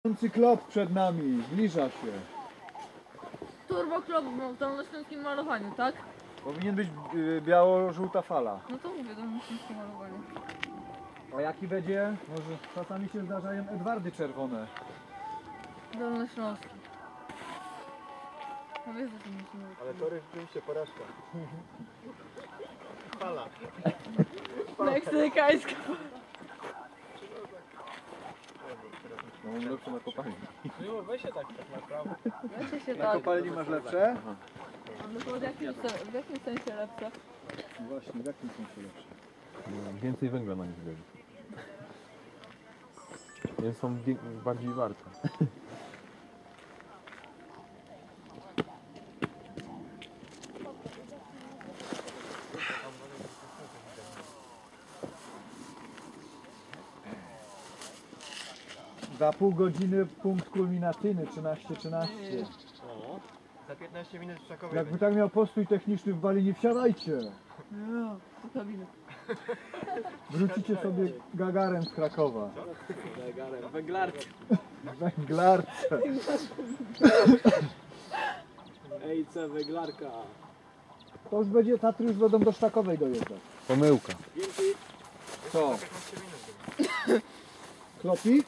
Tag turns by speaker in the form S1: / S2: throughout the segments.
S1: Klop przed nami, zbliża się.
S2: Turbo Klop w dolnośląskim malowaniu, tak?
S1: Powinien być biało-żółta fala.
S2: No to mówię, dolnośląskie malowanie.
S1: A jaki będzie? Może czasami się zdarzają Edwardy czerwone.
S2: Dolnośląski. No wiesz, że to musimy mówić.
S3: Ale tory rzeczywiście porażka. Fala.
S2: Meksykańska.
S1: No lepsze na kopalni.
S3: No weź się tak naprawdę.
S2: Weźcie się
S1: Na
S2: tak.
S1: kopalni masz lepsze?
S2: No to w jakim sensie lepsze?
S1: Właśnie, w jakim sensie lepsze?
S4: Więcej węgla na nich wchodzi. Więc są bardziej warte.
S1: Za pół godziny punkt kulminacyjny 13:13.
S3: Za 15 minut w Czakowie
S1: Jakby tak miał postój techniczny w Bali, nie wsiadajcie.
S2: No, do kabiny.
S1: Wrócicie sobie Gagarem z Krakowa.
S3: Węglarki.
S1: Węglarce.
S3: Ejce, węglarka.
S1: To już będzie, Tatry już będą do Sztakowej dojeżdżać.
S4: Pomyłka.
S1: Co? Klopik?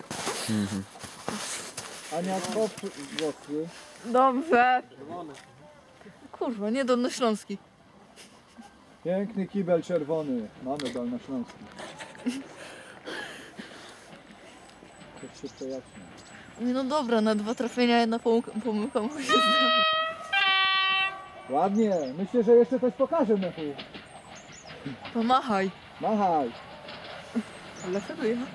S1: Ania, kop włosy.
S2: Dobrze. Kurwa, nie dolnośląski.
S1: Piękny kibel czerwony. Mamy dolnośląski. To wszystko jasne.
S2: Nie no dobra, na 2 trafienia jedna pomyłka musi się zdarzyć.
S1: Ładnie. Myślę, że jeszcze coś pokażę, Mechu.
S2: Pomachaj.
S1: Machaj.
S2: Dlaczego ja?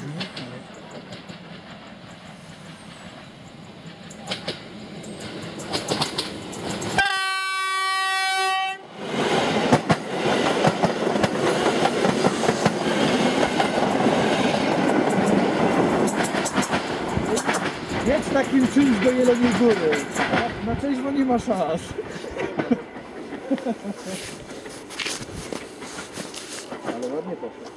S1: Jedź takim czymś do Jeleniej Góry. Na trzeźwo nie ma szans. Ale ładnie poszło.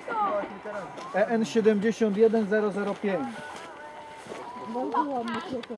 S1: EN 71005.
S2: Bardzo ładnie.